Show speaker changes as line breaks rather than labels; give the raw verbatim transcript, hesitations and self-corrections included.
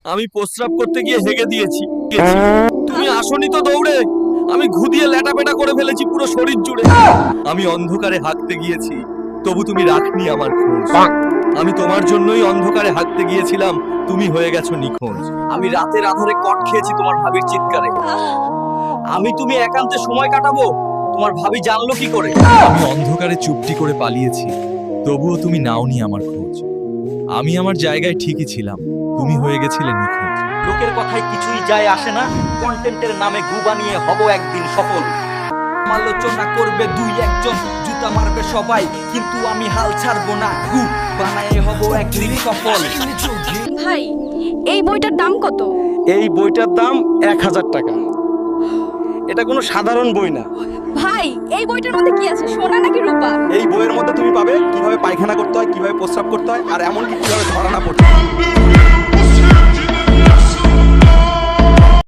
আমি প্রস্রাব করতে গিয়ে হেগে দিয়েছি গেছি। তুমি আসনি তো দৌড়ে, আমি ঘুদিয়ে ল্যাটাপেটা করে ফেলেছি পুরো শরীর জুড়ে। আমি অন্ধকারে হাঁকতে গিয়েছি, তবু তুমি রাখনি আমার খোঁজ। আমি তোমার জন্যই অন্ধকারে হাঁকতে গিয়েছিলাম, তুমি হয়ে গেছো নিখোঁজ।
আমি রাতের আধারে কট খেয়েছি তোমার ভাবির চিৎকারে। আমি তুমি একান্তে সময় কাটাবো, তোমার ভাবি জানলো কি করে?
আমি অন্ধকারে চুপটি করে পালিয়েছি, তবুও তুমি নাওনি আমার খোঁজ। আমি আমার জায়গায় ঠিকই ছিলাম, তুমি হয়ে গেছিলে নিখোঁজ।
লোকের কথায় কিছুই যায় আসে না, কন্টেন্টের নামে গু বানিয়ে হব একদিন সফল। আলোচনা করবে দুই একজন, জুতা মারবে সবাই, কিন্তু আমি হাল ছাড়বো না, গু বানায়ে হব একদিন সফল।
ভাই, এই বইটার দাম কত?
এই বইটার দাম এক হাজার টাকা। এটা কোনো সাধারণ বই না।
ভাই, এই বইটার মধ্যে কি আছে, সোনা নাকি রূপা?
এই বইয়ের মধ্যে তুমি পাবে কিভাবে পায়খানা করতে হয়, কিভাবে প্রস্রাব করতে হয়, আর এমনকি কিভাবে ধরা না পড়তে হয়।